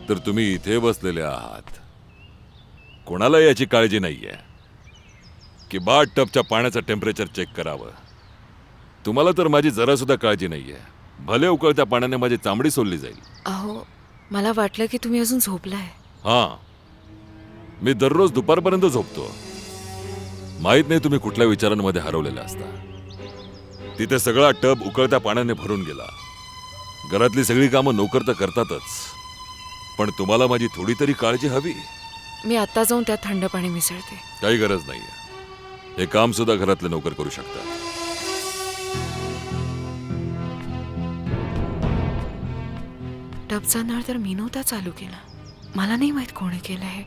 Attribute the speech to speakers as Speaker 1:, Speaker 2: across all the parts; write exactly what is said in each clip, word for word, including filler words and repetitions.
Speaker 1: तर तुम्ही इथे बसलेले आहात. कोणाला याची काळजी नाहीये की बाथ टबच्या पाण्याचं टेम्परेचर चेक करावं. तुम्हाला तर माझी जरा सुद्धा काळजी नाहीये. भले उकळत्या पाण्याने माझी चामडी सोलली जाईल.
Speaker 2: अहो, मला वाटलं की तुम्ही अजून झोपलाय.
Speaker 1: हां, मी दररोज दुपारपर्यंत झोपतो. माहित नाही तुम्ही कुठल्या विचारांमध्ये हरवलेला असता. तिथे सगळा टब उकळत्या पाण्याने भरून गेला. घरातली सगळी कामं नोकर तर करतातच, पण तुम्हाला माझी थोडी तरी काळजी हवी.
Speaker 2: मी आता जाऊन त्यात थंड पाणी मिसळते.
Speaker 1: काही गरज नाहीये. हे काम सुद्धा घरातले नोकर करू शकतात.
Speaker 2: टबचा नळ तर मी नव्हता चालू केला. मला नाही माहित कोणी केलं हे.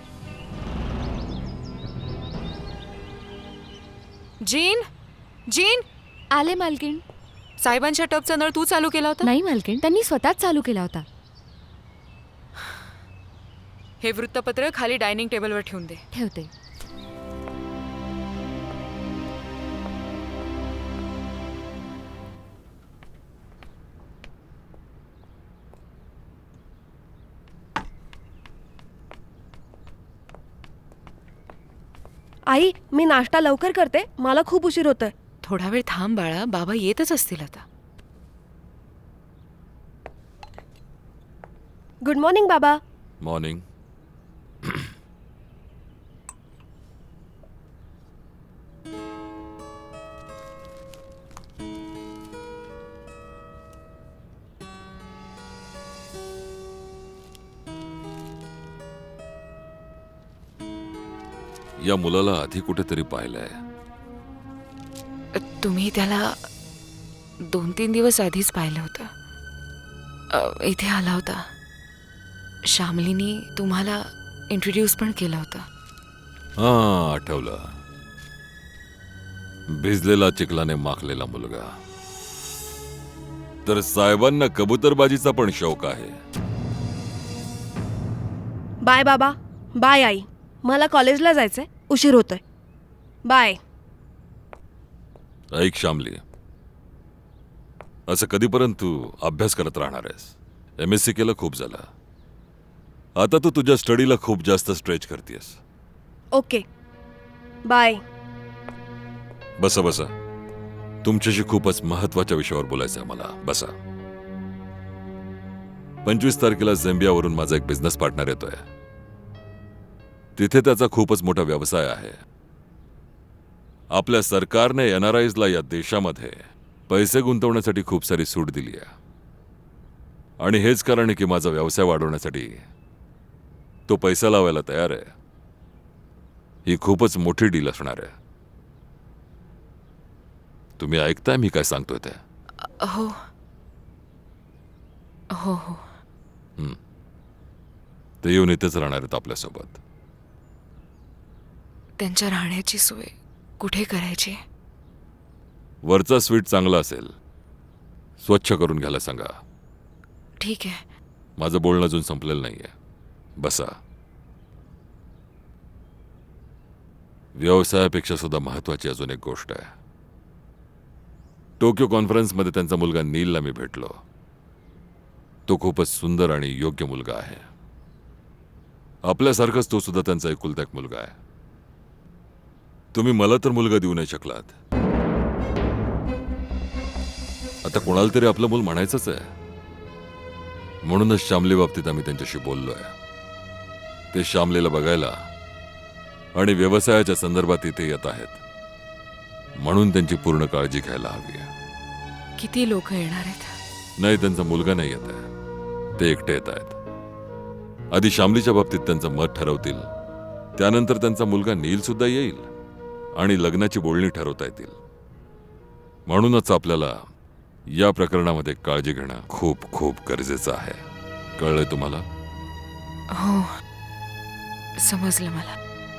Speaker 2: जीन, जीन,
Speaker 3: आले मालकीण.
Speaker 2: साहेबांच्या टबचा नळ तू चालू केला होता?
Speaker 3: नाही मालकीण, त्यांनी स्वतःच चालू केला होता.
Speaker 2: हे वृत्तपत्र खाली डायनिंग टेबलवर ठेवून दे.
Speaker 3: ठेवते.
Speaker 4: आई, मी नाश्ता लवकर करते, मला खूप उशीर होतोय.
Speaker 2: थोडा वेळ थांब बाळा, बाबा येतच असतील आता.
Speaker 4: गुड मॉर्निंग बाबा.
Speaker 1: मॉर्निंग. या मुलाला आधी कुठेतरी पाहिलंय.
Speaker 2: तुम्ही त्याला दोन तीन दिवस आधीच पाहिलं होतं. अ, इथे आला होता. श्यामलीनी तुम्हाला इंट्रोड्यूस पण केलं होतं.
Speaker 1: हा, आठवलं. भिजलेला चिखलाने माखलेला मुलगा. तर साहेबांना कबूतरबाजीचा पण शौक आहे.
Speaker 4: बाय बाबा. बाय आई, मला कॉलेजला जायचंय, उशीर होतोय. बाय.
Speaker 1: ऐक श्यामली, असं कधीपर्यंत तू अभ्यास करत राहणार आहेस? एम एस सी केलं खूप झालं. आता तू तुझ्या स्टडीला खूप जास्त स्ट्रेच करतेस.
Speaker 4: Okay, bye.
Speaker 1: बसा बसा. तुमच्याशी खूपच महत्वाच्या विषयावर बोलायचं आहे मला. बसा. पंचवीस तारखेला झेंबियावरून माझा एक बिझनेस पार्टनर येतोय. तिथे त्याचा खूपच मोठा व्यवसाय आहे. आपल्या सरकारने एन आर आयजला या देशामध्ये पैसे गुंतवण्यासाठी खूप सारी सूट दिली आहे. आणि हेच कारण आहे की माझा व्यवसाय वाढवण्यासाठी तो पैसा लावायला तयार आहे. ही खूपच मोठी डील असणार आहे. तुम्ही ऐकताय मी काय सांगतोय ते?
Speaker 2: हो हो हो.
Speaker 1: ते येऊन इथेच राहणार आहेत आपल्यासोबत.
Speaker 2: त्यांच्या राहण्याची सोय कुठे करायची?
Speaker 1: वरचा स्वीट चांगला असेल, स्वच्छ करून घ्यायला सांगा.
Speaker 2: ठीक आहे.
Speaker 1: माझं बोलणं अजून संपलेलं नाहीये. बसा. व्यवसायापेक्षा सुद्धा महत्वाची अजून एक गोष्ट आहे. टोक्यो कॉन्फरन्समध्ये त्यांचा मुलगा नीलला मी भेटलो. तो खूपच सुंदर आणि योग्य मुलगा आहे. आपल्यासारखाच तो सुद्धा त्यांचा एकुलता एक मुलगा आहे. तुम्ही मला तर मुलगा देऊ नाही शकलात, आता कोणाला तरी आपलं मूल म्हणायचंच आहे. म्हणूनच श्यामली बाबतीत आम्ही त्यांच्याशी बोललोय. ते श्यामलीला बघायला आणि व्यवसायाच्या संदर्भात इथे येत आहेत, म्हणून त्यांची पूर्ण काळजी घ्यायला हवी आहे.
Speaker 2: किती लोक येणार आहेत?
Speaker 1: नाही, त्यांचा मुलगा नाही येत आहे, ते एकटे येत आहेत. आधी श्यामलीच्या बाबतीत त्यांचं मत ठरवतील, त्यानंतर त्यांचा मुलगा नील सुद्धा येईल आणि लग्नाची बोलणी ठरवता येतील. म्हणूनच आपल्याला या प्रकरणामध्ये काळजी घेणं खूप खूप गरजेचं आहे. कळलंय तुम्हाला?
Speaker 2: हो, समजलं मला.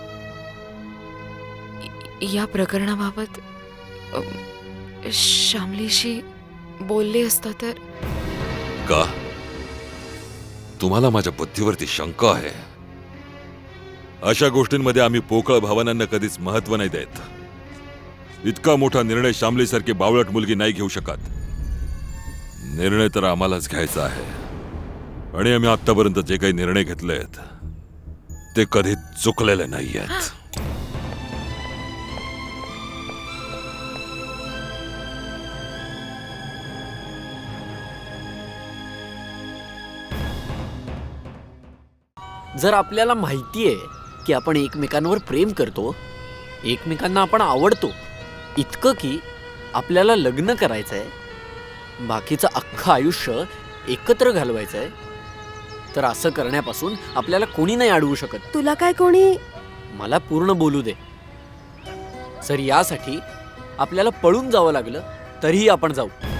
Speaker 2: या प्रकरणाबाबत अ, श्यामलीशी बोलले असता तर.
Speaker 1: का तुम्हाला माझ्या बुद्धीवरती शंका आहे? अशा गोष्टींमध्ये आम्ही पोकळ भावनांना कधीच महत्व नाही देत. इतका मोठा निर्णय श्यामलीसारखी बावळट मुलगी नाही घेऊ शकत. निर्णय तर आम्हालाच घ्यायचा आहे. आणि आम्ही आतापर्यंत जे काही निर्णय घेतले आहेत ते कधी चुकलेले नाही आहेत.
Speaker 5: जर आपल्याला माहिती आहे की आपण एकमेकांवर प्रेम करतो, एकमेकांना आपण आवडतो, इतकं की आपल्याला लग्न करायचं आहे, बाकीचं अख्खं आयुष्य एकत्र घालवायचं आहे, तर असं करण्यापासून आपल्याला कोणी नाही अडवू शकत.
Speaker 4: तुला काय कोणी
Speaker 5: मला पूर्ण बोलू दे. जर यासाठी आपल्याला पळून जावं लागलं तरीही आपण जाऊ.